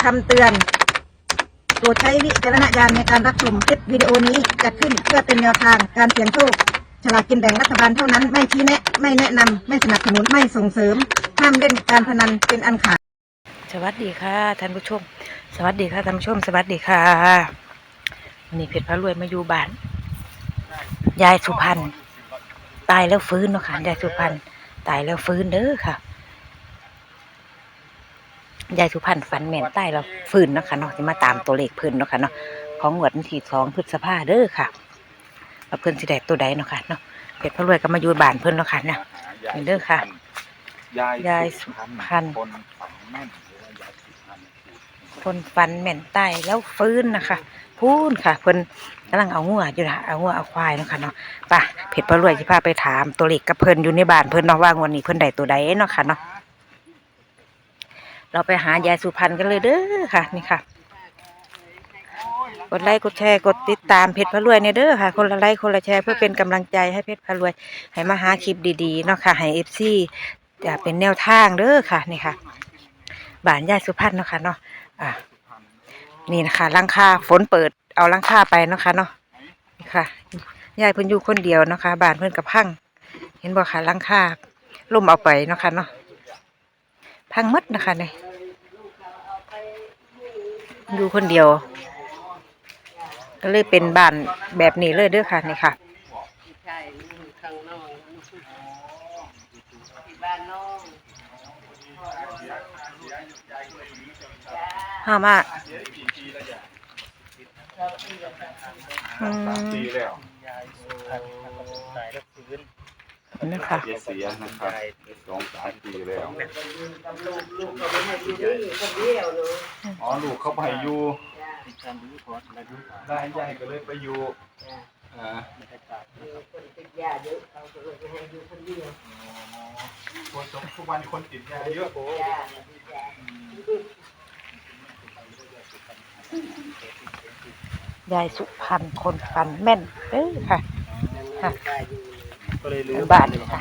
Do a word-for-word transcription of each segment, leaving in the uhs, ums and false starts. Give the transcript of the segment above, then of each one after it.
ำเตือนโปรดใช้วิจารณญาณในการรับชมคลิปวิดีโอนี้จัดขึ้นเพื่อเป็นแนวทางการเสี่ยงโชคฉลากกินแบ่งรัฐบาลเท่านั้นไม่ชี้แนะไม่แนะนำไม่สนับสนุนไม่ส่งเสริมห้ามเล่นการพนันเป็นอันขาดสวัสดีค่ะท่านผู้ชมสวัสดีค่ะท่านผู้ชมสวัสดีค่ะวันนี้เพชรพระรวยมาอยู่บ้านยายสุพรรณตายแล้วฟื้นเนาะค่ะยายสุพรรณตายแล้วฟื้นเด้อค่ะยายสุพรรณฝันแม่นตายแล้วฟื้นเนาะค่ะเนาะจะมาตามตัวเลขเพิ่นเนาะค่ะเนาะของงวดวันที่สองพฤษภาเด้อค่ะว่าเพิ่นสิได้ตัวใดเนาะค่ะเนาะเพชรพระรวยก็มาอยู่บ้านเพิ่นเนาะค่ะเนี่ยนี่เด้อค่ะยายสุพรรณคนฝันแม่นตายแล้วฟื้นนะคะพูนค่ะเพิ่นกำลังเอางัวอยู่นะเอางัวเอาควายเนาะค่ะเนาะป่ะเพชรพระรวยสิพาไปถามตัวเลขกับเพิ่นอยู่ในบ้านเพิ่นเนาะว่างวดนี้เพิ่นได้ตัวใดเนาะค่ะเนาะเราไปหายายสุพรรณกันเลยเด้อค่ะนี่ค่ะกดไลค์กดแชร์กดติดตามเพชรพระรวยเนี่ยเด้อค่ะคนละไลค์คนละแชร์เพื่อเป็นกำลังใจให้เพชรพระรวยให้มาหาคลิปดีๆเนาะค่ะให้เอฟซีจะเป็นแนวทางเด้อค่ะนี่ค่ะบ้านยายสุพรรณเนาะค่ะเนาะอ่ะนี่นะคะหลังคาฝนเปิดเอาหลังคาไปเนาะค่ะเนาะนี่ค่ะยายเพิ่นอยู่คนเดียวเนาะค่ะบ้านเพิ่นกับพังเห็นบ่ค่ะหลังคาล่มเอาไปเนาะค่ะเนาะพังหมดนะคะเนี่ยอยู่คนเดียวก็เลยเป็นบ้านแบบนี้เลยเด้อค่ะนี่ค่ะห้ามาอืมนี่ค่ะเสียนะครับสองสามปีแล้วอ๋อลูกเขาไปอยู่ได้ใหญ่ก็เลยไปอยู่อ่าคนติดยาเยอะเขาก็เลยให้อยู่คนเดียวคนทุกวันคนติดยาเยอะยายสุพรรณคนฝันแม่นเด้อค่ะค่ะบ้านค่ะ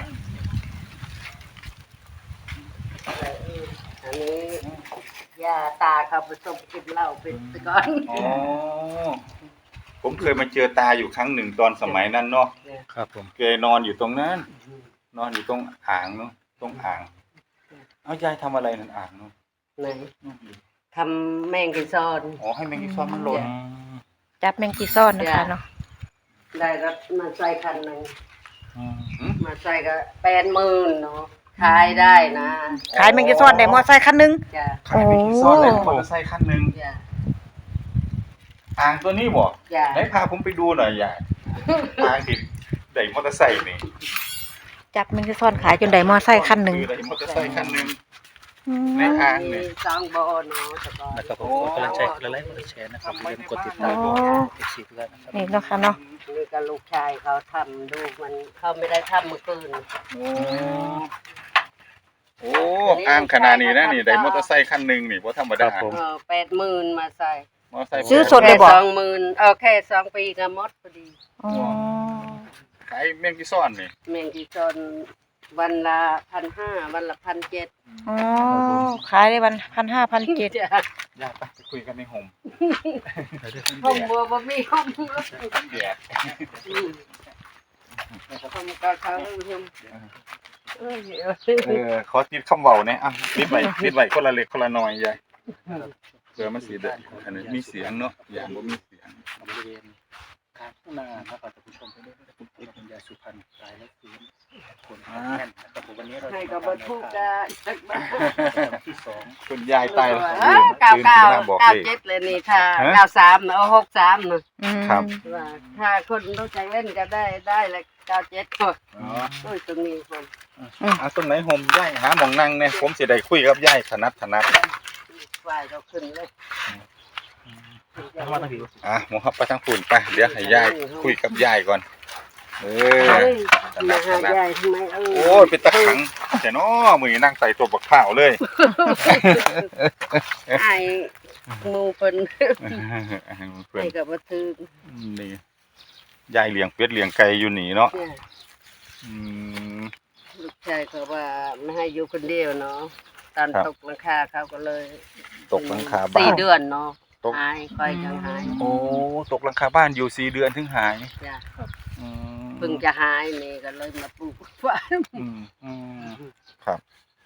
อันนี้ยาตาเขาผสมกินเหล้าเป็นตะกอนอ๋อผมเคยมาเจอตาอยู่ครั้งหนึ่งตอนสมัยนั้นเนาะครับผมเคยนอนอยู่ตรงนั้นนอนอยู่ตรงอ่างเนาะตรงอ่างเอายายทำอะไรนั่นอ่างเนาะไหนทำแมงกีซอนอ๋อให้แมงกีซอนมันหล่นจับแมงกีซ่อนนะคะเนาะได้รถมาใส่คันหนึ่งมาใส่ก็แปดหมื่นเนาะขายได้นะขายแมงกีซ่อนได้มอไซค์คันนึงขายแมงกีซอนได้มอเตอร์ไซค์คันนึงอ่างตัวนี้บ่ได้พาผมไปดูหน่อยยายอ่างติดได้มอเตอร์ไซค์นี่จับแมงกีซ่อนขายจนได้มอไซค์คันนึงได้มอเตอร์ไซค์คันนึงในอ่างนี่สองบ่อเนาะนะครับผมกดไลค์กดไลค์กดแชร์นะครับอย่าลืมกดติดตามกดซีเพื่อนนะครับนี่เนาะค่ะเนาะนี่ก็ลูกชายเขาทำดูมันเขาไม่ได้ทำเมื่อคืนโอ้อ่างขนาดนี้นะนี่ได้มอเตอร์ไซค์คันนึงนี่บ่ธรรมดาเออแปดหมื่นมาใส่มอเตอร์ไซค์ซื้อสดเลยบ่สองหมื่นเออแค่สองปีก็หมดพอดีอ๋อขายแมงกีซ่อนนี่แมงกีซอนวันละพันห้าวันละพันเจ็ดอ๋อขายได้วันพันห้าพันเจ็ดอยากไปคุยกันในโฮมโฮมบัวบะมีโฮมเดียดโฮมก็เขาโฮมเออขอติดคำเว้าเนี่ยอ่ะติดไว้ติดไว้คนละเล็กคนละน้อยยายเพื่อมันสิได้อันนี้มีเสียงเนาะอย่างบ่มีเสียงบริเวณข้างหน้านะครับท่านผู้ชมไปด้วยคุณเอกยาสุพรรณตายแล้วฟื้นคนแม่นนะครับวันนี้เราให้กับบรรทุกจะที่สองคุณยายตายแล้วเก้าเก้าเก้าเจ็ดเลยนี่ค่ะเก้าสามเนาะหกสามเนาะครับถ้าคนรู้จักเล่นก็ได้ได้เลยเก้าเจ็ดคนอ๋อตรงนี้คนอ่ะตรงไหนโฮมยายหาหม่องนั่งเนี่ยผมสิได้คุยกับยายถนัดถนัดฝ่ายเราขึ้นเลยอ่ะหมูฮับไปทางฝุ่นไปเดี๋ยวให้ยายคุยกับยายก่อนเออมาหายายทำไมเออโอ้ยเป็นตะขังแต่น้อมือนั่งใส่ตัวบักข้าวเลยไอ้มูเป็นไอ้กับบัตรนี่ยายเลี้ยงเป็ดเลี้ยงไก่อยู่หนีเนาะลูกชายเขาว่าไม่ให้อยู่คนเดียวเนาะตอนครับตกหลังคาเขาก็เลยตกหลังคาบ้านสี่เดือนเนาะตกหายค่อยจังหายโอ้ตกหลังคาบ้านอยู่สี่เดือนถึงหายจ้ะอืมเพิ่งจะหายนี่ก็เลยมาปลูกฟ้าอืมอืมครับ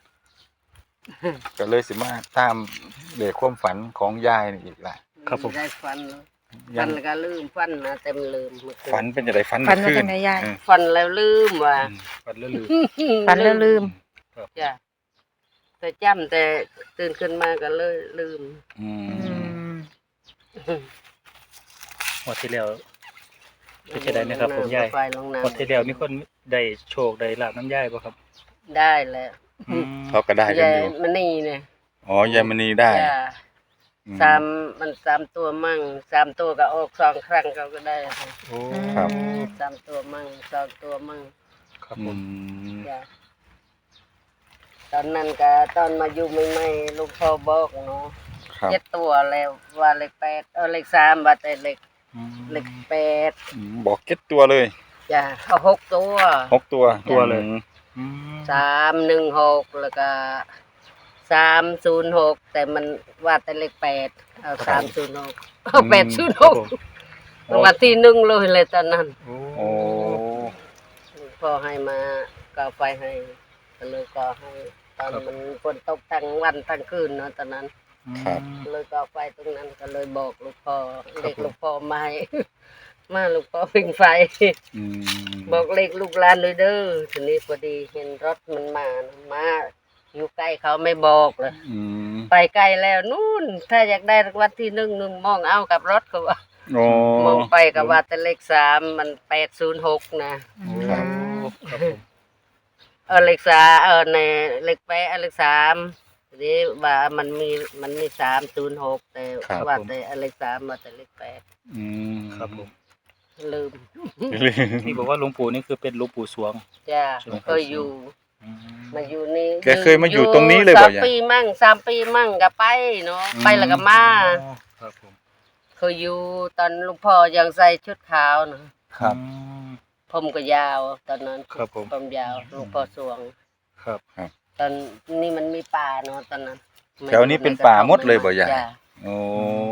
ก็เลยสิมาตามเด็กความฝันของยายนี่อีกแหละครับผมได้ฟันเลยยัฟังนแล้วก็ลืมฟันนะเต็มลืมเมื่อคืฝันเป็นจะไดฝันฝันว่าขึ้จังไดยายเออฟันแล้วลืมว่ะอืมฝันแล้วลืมฝันแล้วลืมจ้ะแต่จำแต่ตื่นขึ้นมาก็เลยลืมอือืมมงวดที่แล้วเป็นจะได้นะครับผมยายไปลงน้ำงวดที่แล้วมีคนได้โชคได้ลาบน้ำยายป่ะครับได้แล้วอืมเขาก็ได้กันยายอยู่มันนี่เนี่ยอ๋อยายมณีได้จ้ะอืมสามมันสามตัวมั่งสามตัวก็ออกสองครั้งเขาก็ได้โอ้ครับสามตัวมั่งสองตัวมั่งครับอืผมมจ้ะตอนนั้นก็ตอนมาอยู่ใหม่ๆลูกพ่อบอกเนาะครับเจ็ดตัวแล้วว่าเลขแปดเออเลขสามว่าแต่เลขอืมเลขแปดอืมบอกเก็ตตัวเลยจ้ะเอาหกตัวหกตัวตัวเลยอืมอืมสามหนึ่งหกแล้วก็สามศูนย์หกแต่มันว่าแต่เลขแปดเอาสามศูนย์หกเอาแปดศูนย์คหรับกผมรางวัลที่หนึ่งเลยเลยตอนนั้นโอ้โอ้พ่อให้มาก็ไฟให้ก็เลยก็ให้ตอนมันฝนตกทั้งวันทั้งคืนเนาะตอนนั้นครับเลยก็ไฟตรงนั้นก็เลยบอกลูกพ่อเด็กลูกพ่อมาให้ มาลูกพ่อพิงไฟอืมบอกเลขลูกหลานเลยเด้อทีนี้พอดีเห็นรถมันมานะมาอยู่ใกล้เขาไม่บอกเลยอืมไปไกลแล้วนู่นถ้าอยากได้รางวัลที่หนึ่งหนึ่งมองเอากับรถก็ว่าโอ้มองไปกับว่าแต่เลขสามมันแปดศูนย์หกนะครับครับผมเออเลขสามเออในเลขแปดเออเลขสามทีนี้ว่ามันมีมันมีสามศูนย์หกแต่ว่าแต่เออเลขสามมาแต่เลขแปดอืมครับผมลืมที่บอกว่าหลวงปู่นี่คือเป็นหลวงปู่สวงจ้าใช่ไหมครับเคยอยู่อืมมาอยู่นี่แกเคยมาอยู่ตรงนี้เลยบ่สามยายปีมั่งสามปีมั่งก็ไปเนาะอืมไปแล้วก็มาอ๋อครับผมเคยอยู่ตอนหลุงพ่อยังใส่ชุดขาวเนาะครับอืมผมก็ยาวตอนนั้นครับผมผมยาวหลุงพ่อสวงครับตอนนี้มันมีป่าเนาะตอนนั้นแถวนี้เป็นป่าหมดเลยบ่ยายจ้ะโอ้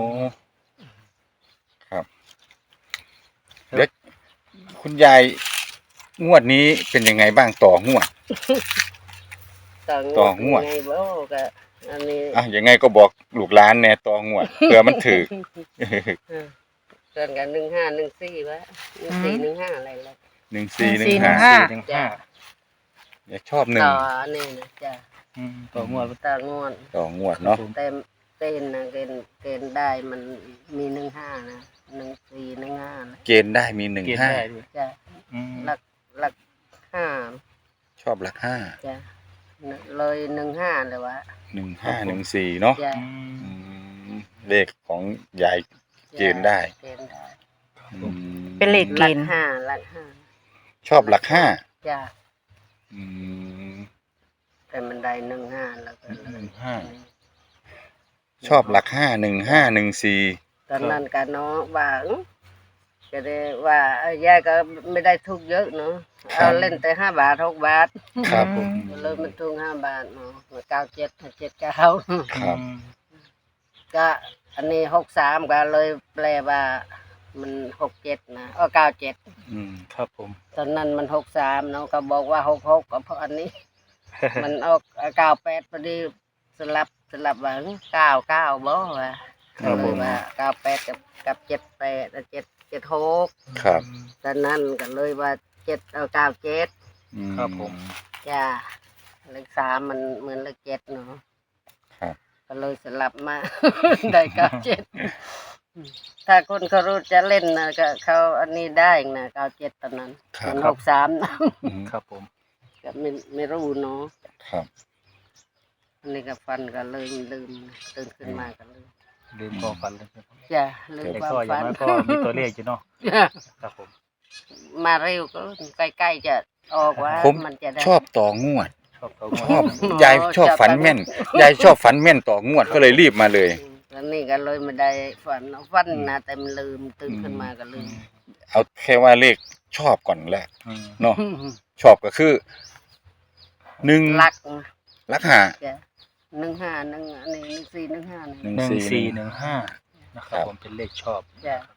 ครับเด็กคุณยายงวดนี้เป็นยังไงบ้างต่องวดต่อต่องวดไงบ่ก็อันนี้อ่ะยังไงก็บอกลูกหลานแน่ต่องวดเผื่อมันถือเออเกินกันหนึ่งห้าหนึ่งสี่วะหนึ่งสี่หนึ่งห้าอะไรเลยหนึ่งสี่หนึ่หนึ่งงสี่ห้าหนึ่งห้าสี่หนึ่งห้าอย่าชอบหนึ่งต่ออันนี้นะจ้ะอืมต่องวดต่องวดต่องวดเนาะแต่เกณฑ์นะเกณฑ์เกณฑ์ได้มันมีหนึ่งห้านะหนึ่งสี่หนึ่งห้านะเกณฑ์ได้มีหนึ่งเกียรติห้าได้ด้วยจ้ะอืมหลักหลักห้าชอบหลักห้าจ้ะเลยหนึ่งห้าเลยวะหนึ่งห้าหนึ่งสี่เนาะจ้ะอืมอืมเลขของยาย เกณฑ์ได้เกณฑ์ได้อืมเป็นเลขหเกลักณฑ์ห้าหลักห้าชอบหลักห้าจ้ะอืมแต่มันได้หนึ่งห้าแล้วก็หนึ่งห้า ชอบหลักห้าหนึ่งห้าหนึ่งสี่ตอนนั้นกันเนาะว่าอื้อก็ได้ว่าเอ้ยยายก็ไม่ได้ทุกเยอะเนาะเอาเล่นแต่ห้าบาทหกบาทครับผมเลยมันทุกห้าบาทเนาะเก้าเจ็ดเจ็ดเก้าครับอืมก็อันนี้หกสามก็เลยแปลว่ามันหกเจ็ดนะเออเก้าเจ็ดอืมครับผมตอนนั้นมันหกสามเนาะก็บอกว่าหกหกก็เพราะอันนี้ มันออกเก้าแปดพอดีสลับสลับว่าเก้าเก้าบ่ว่าครับเลผยมว่าเก้าแปดกับกับเจ็ดแปดเจ็ดเจ็ดหกครับตอนนั้นก็เลยว่าเจ็ดเอาเก้าเจ็ดอืมครับผมจ้าเลขสามมันเหมือนเลขเจ็ดเนาะครับก็เลยสลับมา ได้เก้าเจ็ดถ้าคนเขารู้จะเล่นนะก็เขาอันนี้ได้นะเก้าเจ็ดตอนนั้นครัมับนหกสามนะอืมครับผมก็ไม่ไม่รู้เนาะครับอันนี้ก็ฟันก็เลยลืมตื่นขึ้นมาก็ลืมลืมความฝันเลยครับจ้ะลืมแต่ความก็อย่าฝังนน้อยก็มีตัวเลขอยู่เนาะครับผมมาเร็วก็ใกล้ๆจะออกว่าผมมันจะได้ชอบต่องวดชอบตัวงชวอบดยายชอบฝันแม่น ยายชอบฝันแม่นต่องวดก็เลยรีบมาเลยแล้วนี่ก็เลยไม่ได้ฝันฝันนะแต่มันลืมตื่นขึ้นมาก็ลืมเอาแค่ว่าเลขชอบก่อนแหละอืมเนาะชอบก็คือหนึ่งรักลักหาจ้ะหนึ่งห้าหนึ่งอันนี้หนึ่งสี่หนึ่งห้านี่หนึ่งหนึ่งสี่สี่หนึ่งห้านะครับผมเป็นเลขชอบจ้ะ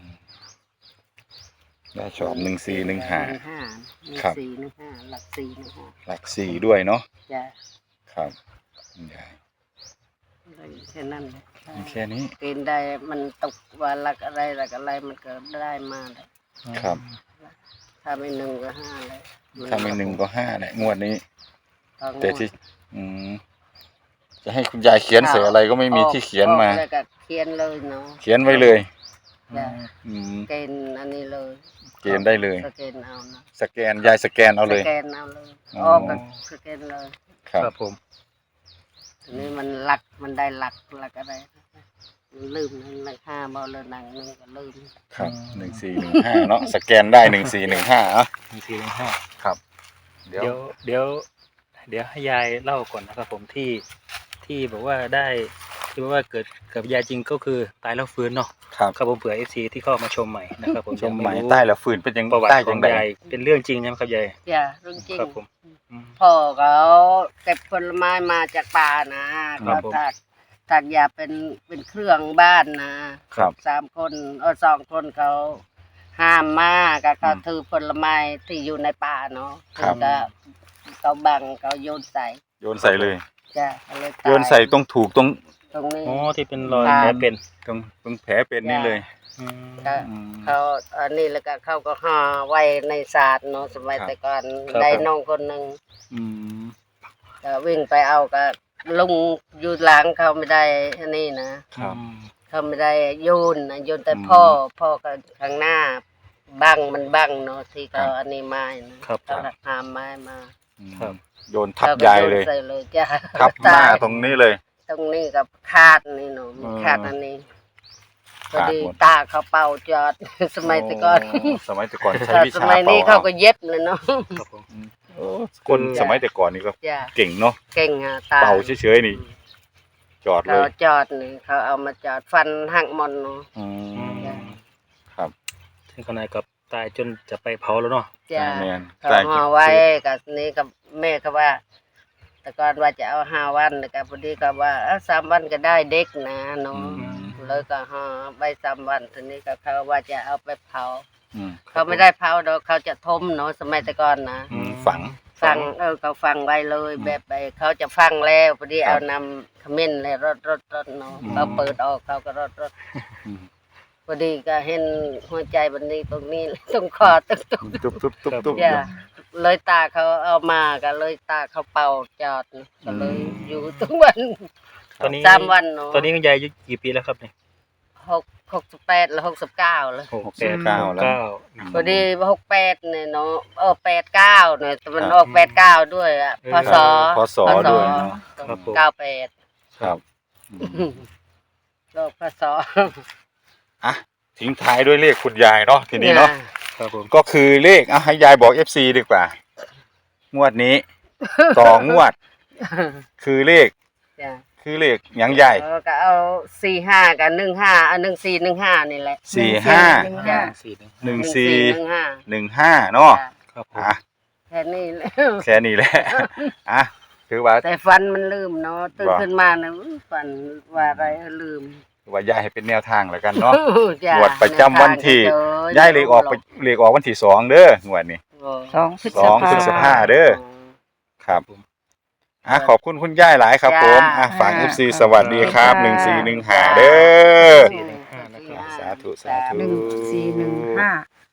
ได้ชอบหนึ่งสี่หนึ่งห้าหนึ่งห้าหนึ่งครับสี่หนึ่งห้าหลักสี่หนึ่งห้าหลักสี่ด้วยเนาะจ้ะครับคุณยายได้แค่นั้นเลยมีแค่นี้เกณฑ์ได้มันตกว่าหลักอะไรหลักอะไรมันก็ได้มาเลยครับถ้าไม่หนึ่งก็ห้าเลยถ้าไม่หนึ่งก็ห้าแหละงวดนี้ต่องวดแต่ที่อืมจะให้คุณยายเขียนใส่อะไรก็ไม่มีที่เขียนมาออกแล้วก็เขียนเลยเนาะเขียนไว้เลยจ้ะอืมเกณฑ์อันนี้เลยเกณฑ์ได้เลยสแกนเอานะสแกนยายสแกนเอาเลยสแกนเอาเลยอ๋อออกก็สแกนเลยครับครับผมทีนี้มันหลักมันได้หลักหลักอะไรมันลืมนะหลักห้าบอเลยหนังหนึงก็ลืมครับหนึ่งสี่หนึ่งห้าเนาะสแกนได้หนึ่งสี่หนึ่งห้าอ่ะหนึ่งสี่หนึ่งห้าครับ เดี๋ยวเดี๋ยวเดี๋ยวเดี๋ยวให้ยายเล่าก่อนนะครับผมที่ที่บอกว่าได้ที่บอกว่าเกิดกับยายจริงก็คือตายแล้วฟื้นเนาะครับครับผมเผื่อเอฟซีที่เข้ามาชมใหม่นะครับผมชมยังใหม่รู้ใต้แล้วฝืนเป็นยังประวัติใต้ขยัองงไงยายเป็นเรื่องจริงนะครับยายอย่าเรื่องจริงครับผมอืมพ่อเขาเก็บผลไม้มาจากป่านะครัเขาบผมถักถักยาเป็นเป็นเครื่องบ้านนะครับ สามคนเออสองคนเขาห้ามมากก็เขาอืมถือผลไม้ที่อยู่ในป่าเนาะครับก็เขาบังเขาโยนใส่โยนใส่เลยจ้ะก็เลยตาโยนใส่ตรงถูกตรงตรงนี้อ๋อที่เป็นรอยครับแผลเป็นตรงตรงแผลเป็นนี่เลยอืมก็อืมเขาอันนี้แล้วก็เขาก็ห่อไว้ในศาสตร์เนาะสมัยครับแต่ก่อนครับได้น้องคนหนึ่งอืมก็วิ่งไปเอาก็ลุงอยู่หลังเขาไม่ได้อันนี้นะครับ เขาไม่ได้โยนนะโยนแต่อืมพ่อพ่อก็ข้างหน้าบังมันบังเนาะที่ครัเขาบอันนี้ไม้นะครับ เขาหักหามไม้มาครับโยนทับเขาก็ยายเลยโใส่เลยจ้ะทับหน้าตายตรงนี้เลยตรงนี้กับคาดนี่เนาะมีอืมคาดอันนี้พอขาดดีหมดตาเขาเป่าจอด สมัยแต่ก่อนโสมัยแต่ก่อนใช้แต่วิสชามัยนี้ป่เขาก็เย็บเลยเนาะครับผมโอ้คนสมัยแต่ก่อนนี่ก็จ้ะเก่งเนาะเก่งอ่ะตาเป่าเฉยๆนี่ จอดเลเขายจอดนี่เขาเอามาจอดฟันหักหมอนเนาะอือืมมครับซึ่งขณะกับตายจนจะไปเผาแล้วเนาะจ้ะแมนเขาใต้ห่อไว้กับนี่กับแม่เขาว่า แต่ก่อนว่าจะเอาห้าวันแต่ก็พอดีก็ว่าเอ้าสามวันก็ได้เด็กนะเนาะอืมเลยก็ห่อใบสามวันทีนี้ก็เขาว่าจะเอาไปเผาอืมเขาไม่ได้เผาดอกเขาจะทมเนาะสมัยแต่ก่อนนะอืมฝังฟังเออเขาฟังไว้เลยอืมแบบไปเขาจะฟังแล้วพอดีครับเอานำขมิ้นเลยรดรดรดเนาะอืมเขาเปิดออกเขาก็รดรดอืมพอดีก็เห็นหัวใจบันนี้ตรงนี้ ตรงคอตรงตรงตุ๊บตุ๊บตุ๊บตุ๊บอย่าเลยตาเขาเอามาก็เลยตาเขาเป่าจอดก็เลยอืมอยู่ทุกวันตอนนี้สามวันเนาะตอนนี้คุณยายอายุกี่ปีแล้วครับเนี่ยหกหกสิบแปดแล้วหกสิบเก้าแล้วหกหกสิบเก้าแล้วเก้าพอดีหกแปดเนี่ยเนาะเออแปดเก้าเนี่ยแต่มันครับออกแปดเก้าด้วยอ่ะพศพศด้วยเนาะครับผมเก้าแปดครับอืมโลกพศอ่ะทิ้งท้ายด้วยเลขคุณยายเนาะทีนี้เนาะครับผมก็คือเลขอ่ะให้ยายบอก เอฟ ซี ดีกว่า งวดนี้ ต่องวด คือเลขจ้ะคือเลขหยังใหญ่เออก็เอาสี่ห้ากับหนึ่งห้าเอาหนึ่งสี่หนึ่งห้านี่แหละสี่ห้าจ้ะสี่หนึ่งหนึ่งสี่หนึ่งห้าหนึ่งห้าเนาะจ้ะครับผมอ่ะแค่นี้แหละแค่นี้แหละ อ่ะถือว่าแต่ฟันมันลืมเนาะตื่นว่าขึ้นมาเนี่ยอุ๊ยฟันว่าอะไรลืมถือว่ายายให้เป็นแนวทางแล้วกันเนาะจ้ะงวดประจำวันที่เจอย้ายเลขออกไปเลขออกวันที่สองเด้องวดนี้สองพฤษสองพฤษภา เด้อ ครับอ่ะขอบคุณคุณย่ายหลายครับผม อ่ะฝาก เอฟ ซี สวัสดีครับหนึ่งสี่หนึ่งห้าเด้อสี่หนึ่งห้านะครับสาธุสาธุหนึ่งสี่หนึ่งห้า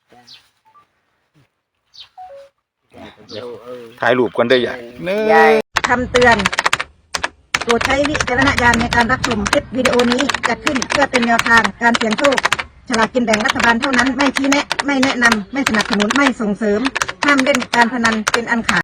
ถ่ายรูปกันได้อยังเนื้ยายคำเตือนโปรดใช้วิจารณญาณในการรับชมคลิปวิดีโอนี้จัดขึ้นเพื่อเป็นแนวทางการเสี่ยงโชคฉลากกินแบ่งรัฐบาลเท่านั้นไม่ชี้แนะ ไม่แนะนำ ไม่สนับสนุน ไม่ส่งเสริม ห้ามเล่นการพนันเป็นอันขาด